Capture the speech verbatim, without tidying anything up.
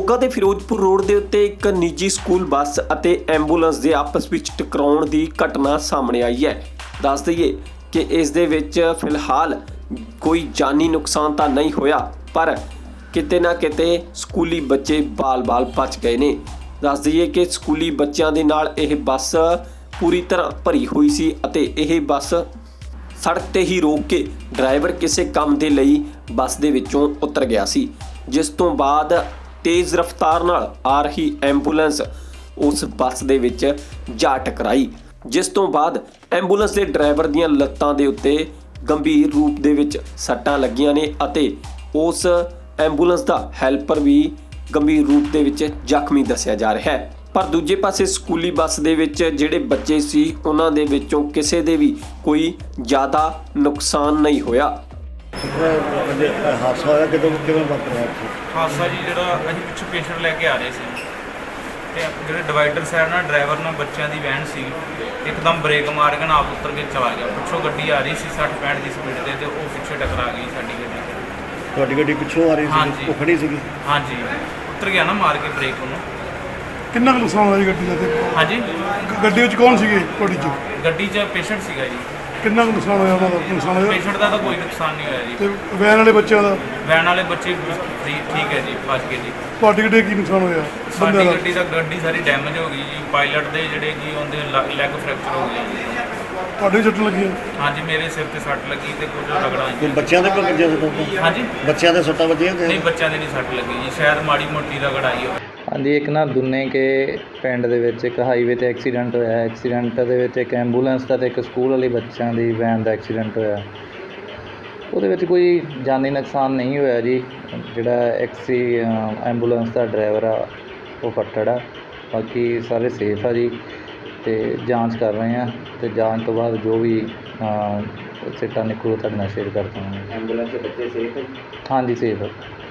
ਮੋਗਾ ਦੇ ਫਿਰੋਜ਼ਪੁਰ ਰੋਡ ਦੇ ਉੱਤੇ ਇੱਕ ਨਿੱਜੀ ਸਕੂਲ ਬੱਸ ਅਤੇ ਐਂਬੂਲੈਂਸ ਦੇ ਆਪਸ ਵਿੱਚ ਟਕਰਾਉਣ ਦੀ ਘਟਨਾ ਸਾਹਮਣੇ ਆਈ ਹੈ। ਦੱਸ ਦਈਏ ਕਿ ਇਸ ਦੇ ਵਿੱਚ ਫਿਲਹਾਲ ਕੋਈ ਜਾਨੀ ਨੁਕਸਾਨ ਤਾਂ ਨਹੀਂ ਹੋਇਆ, ਪਰ ਕਿਤੇ ਨਾ ਕਿਤੇ ਸਕੂਲੀ ਬੱਚੇ ਬਾਲ-ਬਾਲ ਬਚ ਗਏ ਨੇ। ਦੱਸ ਦਈਏ ਕਿ ਸਕੂਲੀ ਬੱਚਿਆਂ ਦੇ ਨਾਲ ਇਹ ਬੱਸ ਪੂਰੀ ਤਰ੍ਹਾਂ ਭਰੀ ਹੋਈ ਸੀ ਅਤੇ ਇਹ ਬੱਸ ਸੜਕ ਤੇ ਹੀ ਰੋਕ ਕੇ ਡਰਾਈਵਰ ਕਿਸੇ ਕੰਮ ਦੇ ਲਈ ਬੱਸ ਦੇ ਵਿੱਚੋਂ ਉਤਰ ਗਿਆ ਸੀ, ਜਿਸ ਤੋਂ ਬਾਅਦ तेज़ रफ्तार नाल आ रही एंबूलेंस उस बस दे विच जा टकराई, जिस तो बाद एंबूलेंस के ड्राइवर दीयां लत्तां दे उत्ते गंभीर रूप दे विच सट्टां लगियां ने अते उस एंबूलेंस दा हैल्पर भी गंभीर रूप दे विच जख्मी दस्सिया जा रहा है। पर दूजे पासे स्कूली बस दे विच जिहड़े बच्चे सी उन्हां दे विचों किसी दे भी कोई ज़्यादा नुकसान नहीं होया। हादसा होया किदों किवें वापरिया? हादसा जी ਜਿਹੜਾ ਅਸੀਂ ਪਿੱਛੋਂ ਪੇਸ਼ੈਂਟ ਲੈ ਕੇ ਆ ਰਹੇ ਸੀ ਤੇ ਜਿਹੜੇ ਡਿਵਾਈਡਰ ਸਾਈਡ ਨਾਲ ਡਰਾਈਵਰ ਨਾਲ ਬੱਚਿਆਂ ਦੀ ਵੈਨ ਸੀ, ਇੱਕਦਮ ਬ੍ਰੇਕ ਮਾਰ ਕੇ ਨਾ ਆਪ ਉੱਤਰ ਕੇ ਚਲਾ ਗਿਆ। ਪਿੱਛੋਂ ਗੱਡੀ ਆ ਰਹੀ ਸੀ ਸੱਠ ਪੈਂਹਠ ਦੀ ਸਪੀਡ ਤੇ ਤੇ ਉਹ ਪਿੱਛੇ ਟਕਰਾ ਗਈ ਸਾਡੀ ਗੱਡੀ। ਤੁਹਾਡੀ ਗੱਡੀ ਪਿੱਛੋਂ ਆ ਰਹੀ ਸੀ, ਉਹ ਖੜੀ ਸੀਗੀ? ਹਾਂਜੀ, ਉੱਤਰ ਗਿਆ ਨਾ ਮਾਰ ਕੇ ਬ੍ਰੇਕ ਉਹਨੂੰ। ਕਿੰਨਾ ਕੁ ਨੁਕਸਾਨ ਹੋਇਆ ਜੀ ਗੱਡੀ ਦਾ? ਤੇ ਹਾਂਜੀ, ਗੱਡੀ ਵਿੱਚ ਕੌਣ ਸੀਗੇ ਤੁਹਾਡੀ 'ਚ? ਗੱਡੀ 'ਚ ਪੇਸ਼ੈਂਟ ਸੀਗਾ ਜੀ। ਕਿੰਨਾ ਕੁ ਨੁਕਸਾਨ ਹੋਇਆ ਉਹਨਾਂ ਦਾ? ਨੁਕਸਾਨ ਹੋਇਆ ਪੇਸ਼ੈਂਟ ਦਾ ਤਾਂ ਕੋਈ ਨੁਕਸਾਨ ਨਹੀਂ ਹੋਇਆ ਜੀ। ਤੇ ਵੈਨ ਵਾਲੇ ਬੱਚਿਆਂ ਦਾ? ਵੈਨ ਵਾਲੇ ਬੱਚੇ ਠੀਕ ਹੈ ਜੀ, ਬਚ ਗਏ ਜੀ। ਤੁਹਾਡੀ ਗੱਡੀ ਕੀ ਨੁਕਸਾਨ ਹੋਇਆ? ਸਾਡੀ ਗੱਡੀ ਦਾ ਗੱਡੀ ਸਾਰੀ ਡੈਮੇਜ ਹੋ ਗਈ ਜੀ। ਪਾਇਲਟ ਦੇ ਜਿਹੜੇ ਜੀ ਉਹਦੇ ਲੈਗ ਫ੍ਰੈਕਚਰ ਹੋ ਗਿਆ ਜੀ। ਤੁਹਾਡੇ ਸੱਟ ਲੱਗੀ? ਹਾਂਜੀ, ਮੇਰੇ ਸਿਰ ਤੇ ਸੱਟ ਲੱਗੀ ਤੇ ਕੁਝ ਰਗੜਾਂ ਜੀ। ਬੱਚਿਆਂ ਦੇ ਕੋਈ ਵੱਜਿਆ ਸੱਟਾਂ? ਹਾਂਜੀ, ਬੱਚਿਆਂ ਦੇ ਸੱਟਾਂ ਵੱਜੀਆਂ? ਨਹੀਂ, ਬੱਚਿਆਂ ਦੇ ਨਹੀਂ ਸੱਟ ਲੱਗੀ ਜੀ, ਸ਼ਾਇਦ ਮਾੜੀ ਮੋਟੀ ਰਗੜ ਆਈ ਹੋਵੇ। ਹਾਂਜੀ, ਇੱਕ ਨਾ ਦੁੰਨੇ ਕੇ ਪਿੰਡ ਦੇ ਵਿੱਚ ਇੱਕ ਹਾਈਵੇ 'ਤੇ ਐਕਸੀਡੈਂਟ ਹੋਇਆ। ਐਕਸੀਡੈਂਟ ਦੇ ਵਿੱਚ ਇੱਕ ਐਂਬੂਲੈਂਸ ਦਾ ਅਤੇ ਇੱਕ ਸਕੂਲ ਵਾਲੀ ਬੱਚਿਆਂ ਦੀ ਵੈਨ ਦਾ ਐਕਸੀਡੈਂਟ ਹੋਇਆ। ਉਹਦੇ ਵਿੱਚ ਕੋਈ ਜਾਨੀ ਨੁਕਸਾਨ ਨਹੀਂ ਹੋਇਆ ਜੀ। ਜਿਹੜਾ ਐਕਸੀ ਐਂਬੂਲੈਂਸ ਦਾ ਡਰਾਈਵਰ ਆ ਉਹ ਫੱਟੜ ਆ, ਬਾਕੀ ਸਾਰੇ ਸੇਫ ਆ ਜੀ। ਅਤੇ ਜਾਂਚ ਕਰ ਰਹੇ ਹਾਂ ਅਤੇ ਜਾਂਚ ਤੋਂ ਬਾਅਦ ਜੋ ਵੀ ਸਿੱਟਾ ਨਿਕਲੂ ਤੁਹਾਡੇ ਨਾਲ ਸ਼ੇਅਰ ਕਰ ਦਾਂਗੇ। ਐਂਬੂਲੈਂਸ ਦੇ ਬੱਚੇ ਸੇਫ ਹੈ? ਹਾਂਜੀ, ਸੇਫ ਹੈ।